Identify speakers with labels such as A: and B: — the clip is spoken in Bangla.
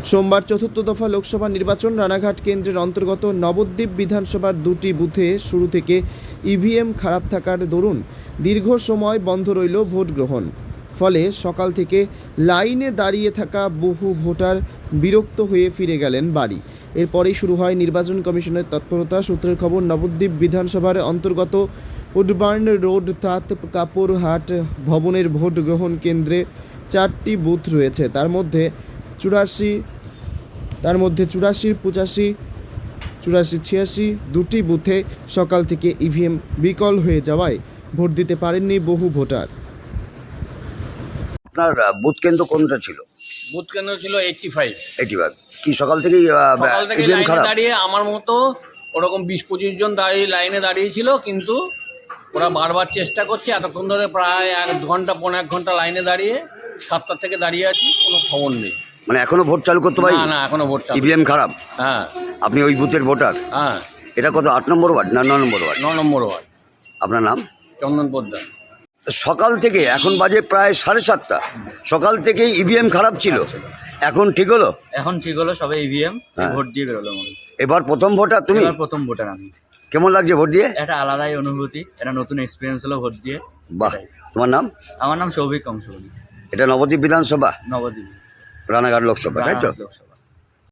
A: সোমবার চতুর্থ দফা লোকসভা নির্বাচন রানাঘাট কেন্দ্রের অন্তর্গত নবদ্বীপ বিধানসভার দুটি বুথে শুরু থেকে ইভিএম খারাপ থাকার দরুন দীর্ঘ সময় বন্ধ রইল ভোট গ্রহণ। ফলে সকাল থেকে লাইনে দাঁড়িয়ে থাকা বহু ভোটার বিরক্ত হয়ে ফিরে গেলেন বাড়ি। এরপরেই শুরু হয় নির্বাচন কমিশনের তৎপরতা। সূত্রের খবর, নবদ্বীপ বিধানসভার অন্তর্গত উডবার্ন রোড তাঁত কাপড়হাট ভবনের ভোট গ্রহণ কেন্দ্রে 4টি বুথ রয়েছে। তার মধ্যে 84, 85, 86 দুটি বুথে সকাল থেকে ইভিএম বিকল হয়ে যাওয়ায় ভোট দিতে পারেননি বহু ভোটার।
B: আপনার বুথ কেন্দ্র কোনটা ছিল?
C: বুথ কেন্দ্র ছিল 85।
B: কি সকাল থেকেই
C: সকাল থেকে
B: ইভিএম
C: লাইনে
B: খারাপ?
C: দাঁড়িয়ে আমার মতো ওরকম 20-25 জন দাঁড়িয়ে লাইনে দাঁড়িয়েছিল, কিন্তু ওরা বারবার চেষ্টা করছে। এতক্ষণ ধরে প্রায় 1 ঘন্টা, 1.5 ঘন্টা লাইনে দাঁড়িয়ে 7টা থেকে দাঁড়িয়ে আছি, কোনো খবর নেই।
B: মানে এখনো ভোট চালু করতে পারি?
C: না, এখনো ভোট চালু।
B: ইভিএম খারাপ?
C: হ্যাঁ।
B: আপনি ওই বুথের ভোটার?
C: হ্যাঁ।
B: এটা কত, 8 নম্বর ওয়ার্ড না 9 নম্বর ওয়ার্ড?
C: 9 নম্বর ওয়ার্ড।
B: আপনার নাম?
C: চন্দন পোদ্দার।
B: সকাল থেকে এখন বাজে প্রায় 7:30, সকাল থেকেই ইভিএম খারাপ ছিল, এখন ঠিক হলো?
D: এখন ঠিক হলো, সবাই ইভিএম
B: হ্যাঁ।
D: ভোট দিয়ে বেরোলো মনে হয়।
B: এবার প্রথম ভোটার তুমি?
D: এবার প্রথম ভোটার আমি।
B: কেমন লাগছে ভোট দিয়ে?
D: একটা আলাদাই অনুভূতি, একটা নতুন এক্সপিরিয়েন্স হলো ভোট দিয়ে।
B: বাহ।
D: এটাই।
B: তোমার নাম?
D: আমার নাম সৌভিক কংসবলী।
B: এটা নবদ্বীপ বিধানসভা,
D: নবদ্বীপ
B: রানাঘাট লোকসভা, তাই তো?
D: লোকসভা।